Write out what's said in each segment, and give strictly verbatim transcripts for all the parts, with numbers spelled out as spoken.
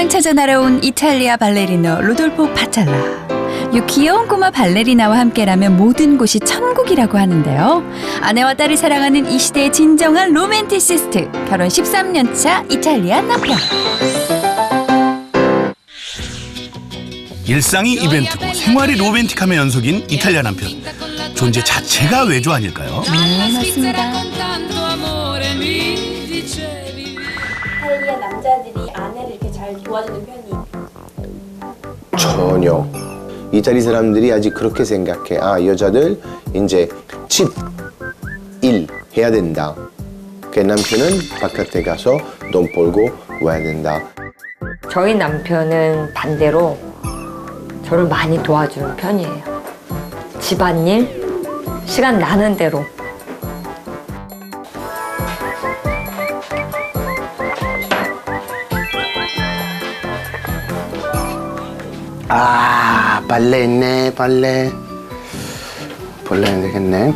사랑 찾아 날아온 이탈리아 발레리노 루돌포 파찰라. 이 귀여운 꼬마 발레리나와 함께라면 모든 곳이 천국이라고 하는데요. 아내와 딸이 사랑하는 이 시대의 진정한 로맨티시스트. 결혼 십삼 년 차 이탈리아 남편. 일상이 이벤트고 생활이 로맨틱함의 연속인 이탈리아 남편. 존재 자체가 외조 아닐까요? 네, 맞습니다. 이탈리아 남자들이 아내를 이렇게 잘 도와주는 편이? 전혀. 이탈리 사람들이 아직 그렇게 생각해. 아, 여자들 이제 집, 일 해야 된다. 그 남편은 바깥에 가서 돈 벌고 와야 된다. 저희 남편은 반대로 저를 많이 도와주는 편이에요. 집안일, 시간 나는 대로. 아, 빨래 했네, 빨래. 빨래 해야 되겠네.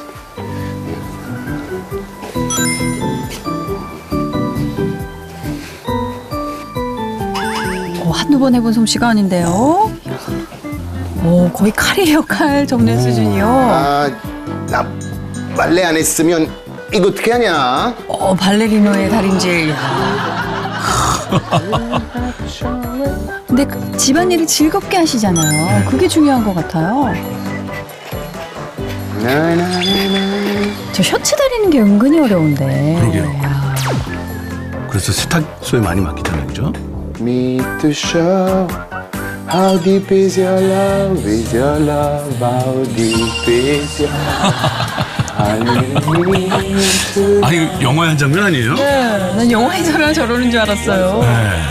어, 한두 번 해본 솜씨가 아닌데요. 오, 거의 칼이에요, 칼 접는 수준이요. 아, 나 빨래 안 했으면 이거 어떻게 하냐? 어, 발레리노의 달인질. 야. 근데 그 집안일을 즐겁게 하시잖아요. 그게 중요한 것 같아요. 저 셔츠 다리는 게 은근히 어려운데. 그러게요. 야. 그래서 세탁소에 많이 맡기잖아요, 그죠? Meet to show how deep is your love, is your love, how deep is your love. 아, 이거 영화의 한 장면 아니에요? 네, 난 영화에서나 저러는 줄 알았어요. 네.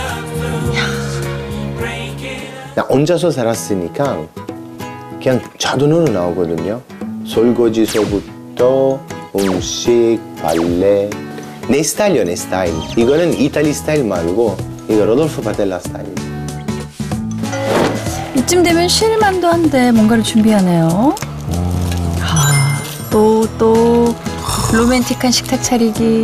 나 혼자서 살았으니까 그냥 자동으로 나오거든요. 설거지서부터 음식, 발레. 내 스타일이요, 내 스타일. 이거는 이탈리 스타일 말고 이거 로돌포 파텔라 스타일. 이쯤 되면 쉴만도 한데 뭔가를 준비하네요. 아, 또, 또 로맨틱한 식탁 차리기.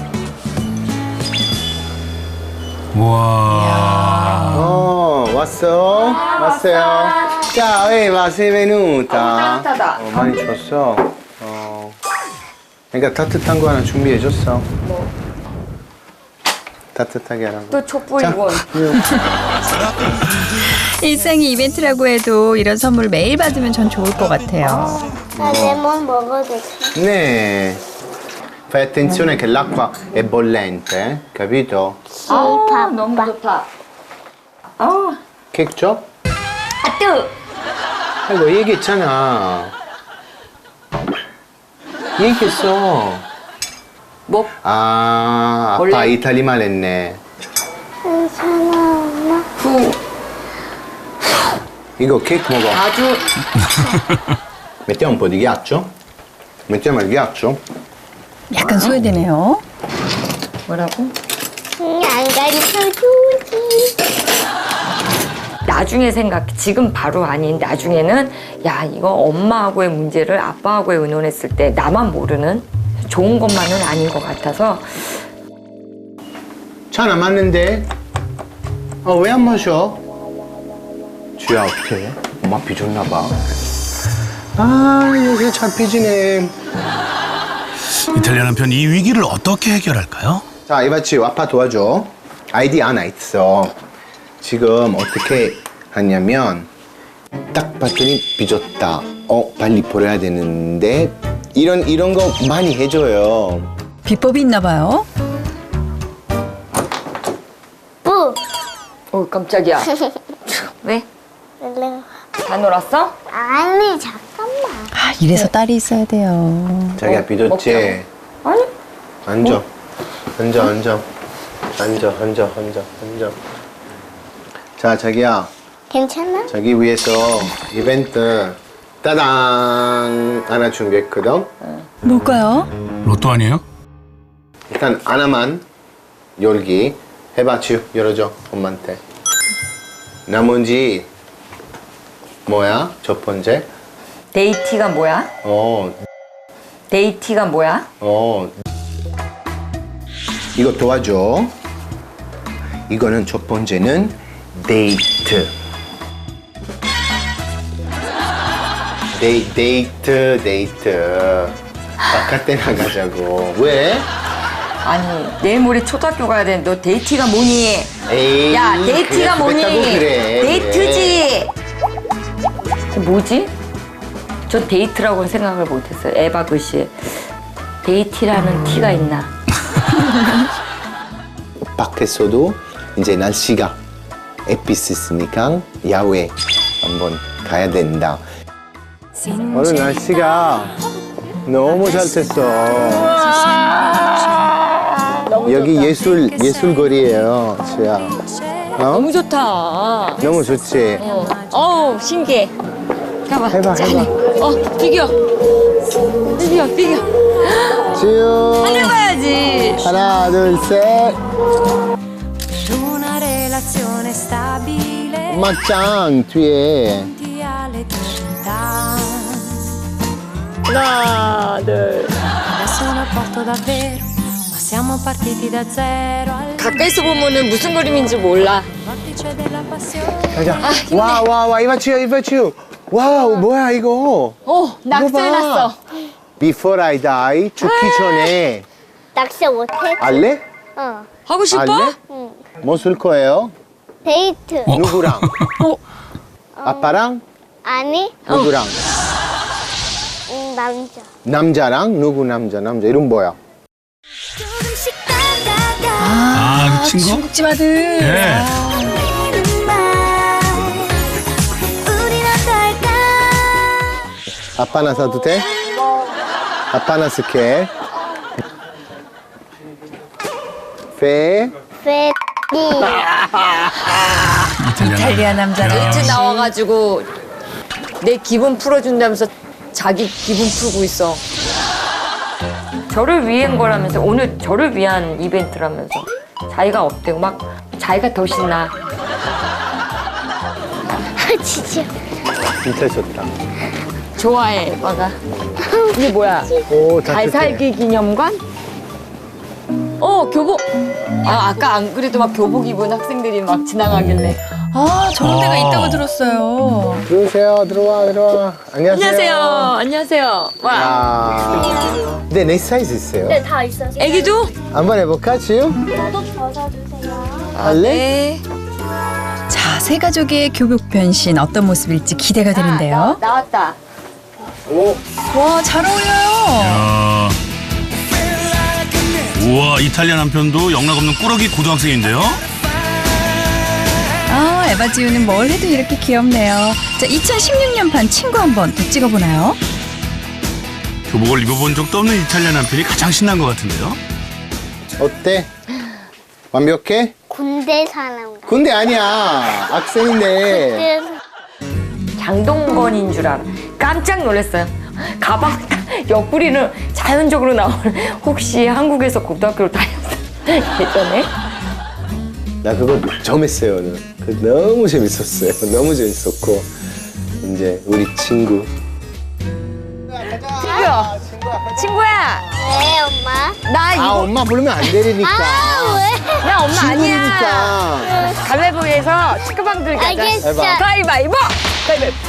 와. 어, 왔어? 왔어요? 자, 왜 와, sei venuta? 어, 따뜻하다. 어, 많이 줬어. 어. 그러니까 따뜻한 거 하나 준비해줬어. 뭐? 따뜻하게 하라고. 또 촛불 이건. 일상이 이벤트라고 해도 이런 선물 매일 받으면 전 좋을 것 같아요. 나 레몬 먹어도 돼? 네. Fai attenzione che l'acqua è bollente, capito? 아, 너무 좋다. 아, 케이크 줘? 아, 뜨! 아이고, 얘기했잖아. 얘기했어. 뭐? 아, 원래- 아빠 이탈리 말했네. 괜찮아, 엄마. 후. 이거 케이크 먹어. 아주. Mettiamo un po' di ghiaccio? Mettiamo il ghiaccio? 약간 소외되네요. 뭐라고? 응, 안 가르쳐주지. 나중에 생각해. 지금 바로 아닌 나중에는 야, 이거 엄마하고의 문제를 아빠하고의 의논했을 때 나만 모르는 좋은 것만은 아닌 것 같아서 차 남았는데? 어, 왜 안 마셔? 주야, 어떡해? 엄마 삐졌나 봐. 아, 요새 차 삐지네. 이탈리아 남편 이 위기를 어떻게 해결할까요? 자, 이바치, 아빠 도와줘. 아이디 하나 있어. 지금 어떻게 하냐면 딱 봤더니 삐졌다. 어, 빨리 버려야 되는데 이런 이런 거 많이 해줘요. 비법이 있나 봐요. 뿌! 어, 깜짝이야. 왜? 얼른. 다 놀았어? 아니, 잠깐만. 아, 이래서 딸이 있어야 돼요. 자기야, 어, 삐졌지? 먹자고. 아니, 앉아. 앉아, 앉아. 앉아, 앉아, 앉아, 앉아. 자, 자기야. 괜찮아? 자기 위해서 이벤트 따당 하나 준비했거든. 뭘까요? 로또 아니에요? 일단 하나만 열기 해봐. 지우 열어줘 엄마한테. 나머지 뭐야? 첫 번째. 데이티가 뭐야? 어, 데이티가 뭐야? 어. 이거 도와줘. 이거는 첫 번째는 데이트. 데이, 데이트, 데이트. 바깥에 나가자고. 왜? 아니 내일 모레 초등학교 가야 되는데 너 데이트가 뭐니? 에이, 야 데이트가 그냥 뭐니? 그랬다고 그래. 데이트지. 뭐지? 전 데이트라고는 생각을 못했어요. 에바 글씨에 데이트라는 티가 있나? 밖에서도 이제 날씨가 햇빛 있으니까 야외 한번 가야 된다. 오늘 날씨가 너무 잘 됐어. 여기 예술 예술 거리예요, 지야. 어? 너무 좋다. 너무 좋지. 어, 어우 신기해. 가봐. 해봐, 짠해. 해봐. 어 비겨. 비겨 비겨. 지유. 하늘 봐야지. 하나, 둘, 셋. Una relazione stabile 엄마 짱 뒤에. all'eternità. 하나 둘. Adesso non porto davvero, ma siamo partiti da zero al 가까이서 보면은 무슨 그림인지 몰라. vortice della passione. 가자. 와, 와, 와, 이봐치요, 이봐치요. 와우, 뭐야 이거? 어 낙서해놨어. Before I die, 죽기 전에 낚시 못해? 알래? 어. 하고 싶어? 알래? 뭐 쓸 거예요? 데이트. 누구랑? 아빠랑? 아니, 누구랑? 음, 남자. 남자랑? 누구 남자? 남자 이름 뭐야? 조금씩 다가가. 아, 그 친구? 중국집 아들. 예. 우린 어떨까? 아빠 나 사도 돼? 아빠 나 쓸게. 페. 페. 이탈리아 남자들. 데이트 나와가지고 내 기분 풀어준다면서 자기 기분 풀고 있어. 저를 위한 거라면서 오늘 저를 위한 이벤트라면서 자기가 어때고 막 자기가 더 신나. 아, 진짜. 진짜 좋다. 좋아해 에바가. 이게 뭐야? 오, 잘 따뜻해. 살기 기념관? 어 교복. 아 아까 안 그래도 막 교복 입은 학생들이 막 지나가길래. 아, 저런 데가 아. 있다고 들었어요. 들어오세요. 들어와, 들어와. 안녕하세요. 안녕하세요. 안녕하세요. 와. 아. 네, 내 사이즈 있어요. 네, 다 있어. 애기도? 한번 해볼까, 지우? 저도 벗어주세요. 할래? 네. 자, 세 가족의 교복 변신 어떤 모습일지 기대가 되는데요. 나, 나왔다. 오. 와, 잘 어울려요. 야. 우와, 이탈리아 남편도 영락 없는 꾸러기 고등학생인데요? 아, 에바지우는 뭘 해도 이렇게 귀엽네요. 자, 이천십육 년판 친구 한번 더 찍어보나요? 교복을 입어본 적도 없는 이탈리아 남편이 가장 신난 것 같은데요? 어때? 완벽해? 군대 사람 같아. 군대 아니야. 학생인데. 장동건인 줄 알아. 깜짝 놀랐어요. 가방 옆구리는 자연적으로 나오는 혹시 한국에서 고등학교를 다녔어? 예전에? 나 그거 처음 했어요, 오늘. 그 너무 재밌었어요. 너무 재밌었고. 이제 우리 친구. 친구야. 친구야. 왜, 엄마? 나 아, 이거 엄마 부르면 안 되니까. 아, 왜? 나 엄마 아니야. 친구니까. 가위바위보에서 축구방들 가자. 알겠어. 해봐. 가위바위보. 가위바위보.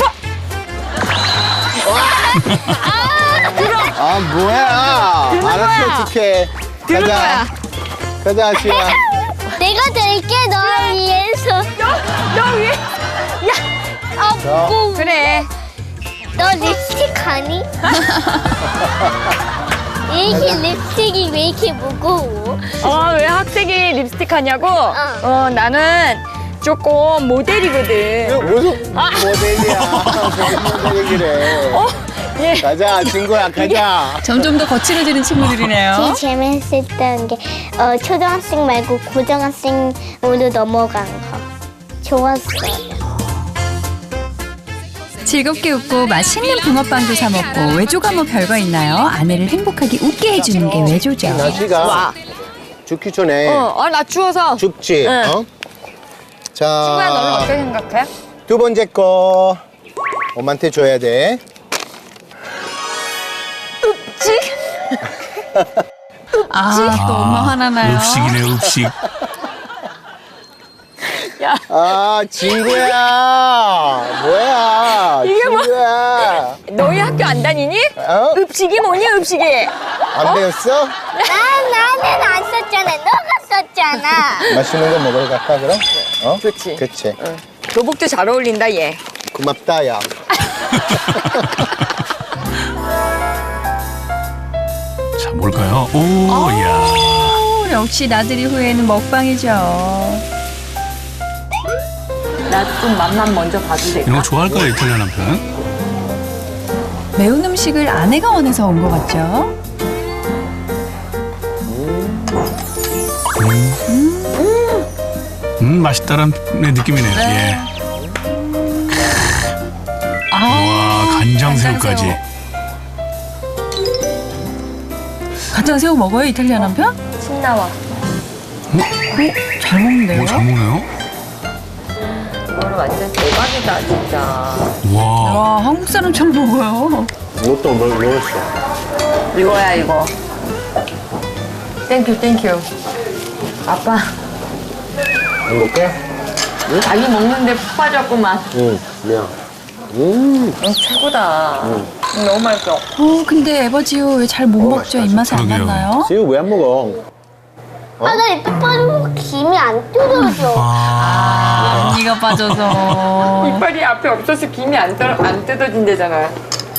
아, 뭐야. 드는 알았어, 거야. 어떡해. 드는 가자. 거야. 가자, 지우야. 내가 될게, 너 위해서. 너 위에. 아, 무거워. 그래. 너 립스틱 하니? 왜 이렇게 립스틱이 왜 이렇게 무거워? 어, 왜 학생이 립스틱 하냐고? 어, 나는 조금 모델이거든. 이거 무슨 모델이야. 무슨 모델이 그래. 어? 예. 가자, 친구야, 가자. 점점 더 거칠어지는 친구들이네요. 제일 재밌었던 게 어, 초등학생 말고 고등학생으로 넘어간 거. 좋았어요. 즐겁게 웃고 맛있는 붕어빵도 사 먹고 외조가 뭐 별거 있나요? 아내를 행복하게 웃게 해주는 게 외조죠. 날씨가 와. 죽기 전에 어, 아, 나 추워서. 춥지? 응. 어? 자, 친구야, 너는 어떻게 생각해? 두 번째 거 엄마한테 줘야 돼. 아, 또 엄마 화나나요? 읍식이네, 읍식. 야, 아, 친구야. 뭐야? 이게 뭐- 친구야. 너희 학교 안 다니니? 어? 읍식이 뭐니, 읍식이? 안 배웠어? 나 나는 안 썼잖아. 너가 썼잖아. 맛있는 거 먹으러 갈까, 그럼? 어? 좋지. 그치. 교복도 잘 어울린다, 얘. 고맙다, 야. 자, 뭘까요? 오, 이야. 오, 역시 나들이 후에는 먹방이죠. 나 좀 맛만 먼저 봐도 될까? 이런 거 좋아할까요, 이탈리아 남편? 매운 음식을 아내가 원해서 온 것 같죠? 음, 맛있다는 느낌이네요. 예. 와, 간장새우까지. 간장새우 먹어요, 이탈리아 남편? 침 나와. 잘 먹는데요? 오, 잘 먹네요. 이거는 완전 대박이다, 진짜. 와, 와, 한국 사람처럼 먹어요. 이것도 뭘 먹었어? 이거야, 이거. 땡큐, 땡큐. 아빠, 행복해? 자기 먹는데 푹 빠졌구만. 응, 미안. 음, 응, 최고다. 응, 너무 맛있어. 어, 근데 에버지오 왜 잘 못 어, 먹죠? 맛있다, 입맛에 안 그러게요. 맞나요? 지우 왜 안 먹어? 아, 나 이빨 빠지고 김이 안 뜯어져. 아, 언니가 빠져서. 이빨이 앞에 없어서 김이 안, 떨어, 안 뜯어진대잖아.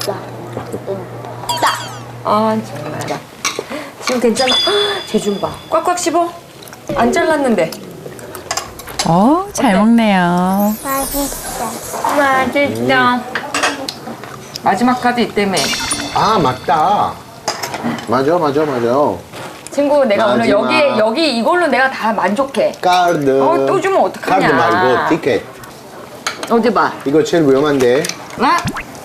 아, 정말. 지금 괜찮아? 쟤 좀 봐. 꽉꽉 씹어. 안 잘랐는데. 어, 잘 먹네요. 맛있다. 맛있다. 마지막 카드 있다며. 아, 맞다. 맞아, 맞아, 맞아. 친구, 내가 오늘 마지막. 여기, 여기 이걸로 내가 다 만족해. 카드. 어, 또 주면 어떡하냐. 카드 말고 티켓. 어디 봐. 이거 제일 위험한데. 아?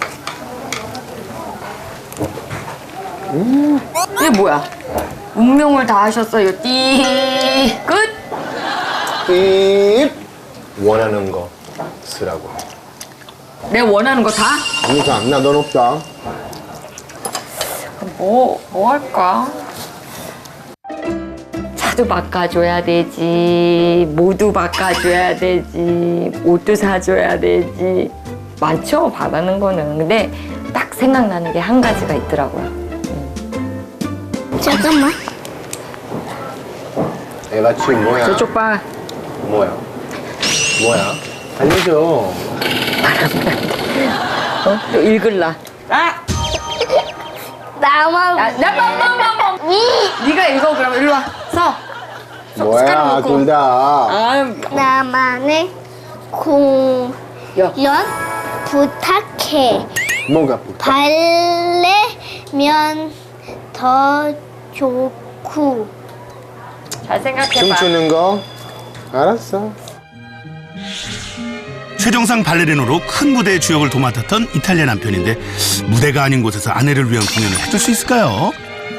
음. 이게 뭐야? 운명을 다 하셨어요. 띠. 끝. 삐 원하는 거 쓰라고. 내가 원하는 거 다? 아무튼 안 나, 넌 없다. 뭐, 뭐 할까? 차도 바꿔줘야 되지. 모두 바꿔줘야 되지. 옷도 사줘야 되지. 많죠, 바라는 거는. 근데 딱 생각나는 게 한 가지가 있더라고요. 잠깐만. 애가 지금 뭐야? 저쪽 봐. 뭐야? 뭐야? 알려줘. 어? 또 읽을라. 아! 나만. 나, 나, 나, 나, 나, 나. 네가 읽어, 그럼. 일로 와. 서. 숟- 숟가락 뭐야, 놓고. 둘 다. 아, 나만의 공연 야. 부탁해. 뭐가 부탁? 발레면 더 좋고. 잘 생각해봐. 춤추는 거? 알았어. 최정상 발레리노로 큰 무대의 주역을 도맡았던 이탈리아 남편인데 무대가 아닌 곳에서 아내를 위한 공연을 해줄 수 있을까요?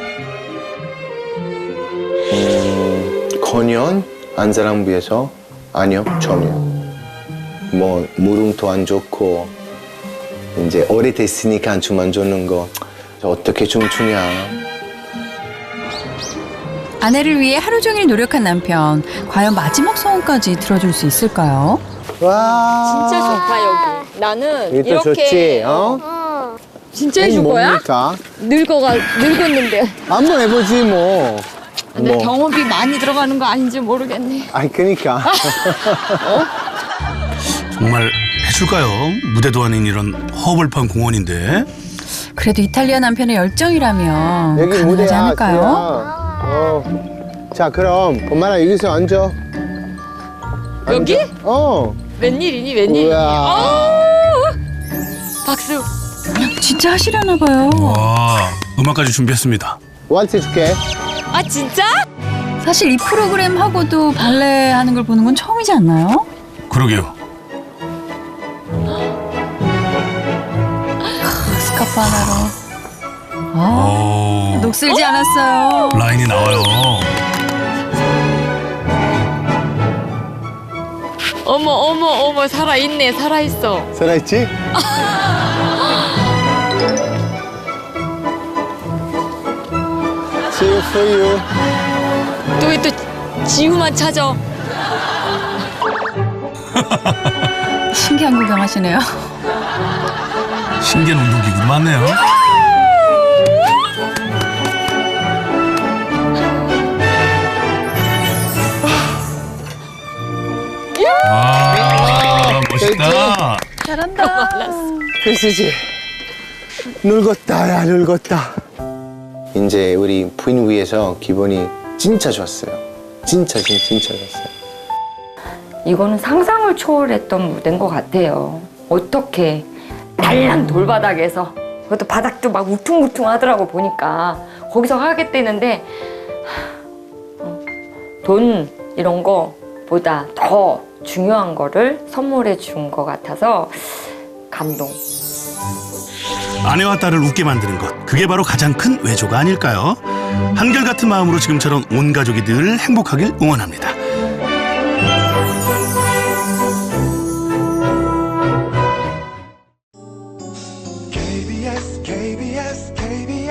음, 건연? 안 사람 위해서? 아니요, 전혀. 뭐, 무릎도 안 좋고, 이제 오래됐으니까 춤 안 좋는 거. 저 어떻게 춤추냐. 아내를 위해 하루 종일 노력한 남편. 과연 마지막 소원까지 들어줄 수 있을까요? 와. 진짜 좋다, 여기. 나는 이게 또 이렇게. 좋지, 어? 진짜 아니, 해줄 거야? 뭡니까? 늙어가, 늙었는데. 한번 해보지, 뭐. 근데 뭐. 경험비 많이 들어가는 거 아닌지 모르겠네. 아니, 그니까. 정말 해줄까요? 무대도 아닌 이런 허벌판 공원인데. 그래도 이탈리아 남편의 열정이라면 여기 가능하지 무대야, 않을까요? 수야. 어. 자, 그럼, 엄마랑 여기서 앉아. 여기? 앉아. 어. 웬일이니, 웬일이니. 우와. 아우! 박수. 진짜 하시려나 봐요. 와, 음악까지 준비했습니다. 왈츠 해줄게. 아, 진짜? 사실 이 프로그램 하고도 발레 하는 걸 보는 건 처음이지 않나요? 그러게요. 스카프 하나로. 아, 오, 녹슬지 않았어요. 라인이 나와요. 어머, 어머, 어머, 살아있네, 살아있어. 살아있지? See you for you. 또, 또, 지우만 찾아. 신기한 구경하시네요. 신기한 운동기구 많네요. 아, 멋있다. 잘한다. 글쓰지. 늙었다, 야, 늙었다. 이제 우리 부인 위해서 기분이 진짜 좋았어요. 진짜, 진짜, 진짜 좋았어요. 이거는 상상을 초월했던 무대인 것 같아요. 어떻게 달랑 돌바닥에서 그것도 바닥도 막 울퉁불퉁 하더라고 보니까 거기서 하겠다는데 어, 돈 이런 거보다 더 중요한 거를 선물해 준 것 같아서 감동. 아내와 딸을 웃게 만드는 것, 그게 바로 가장 큰 외조가 아닐까요? 한결같은 마음으로 지금처럼 온 가족이 늘 행복하길 응원합니다. 케이비에스 케이비에스 케이비에스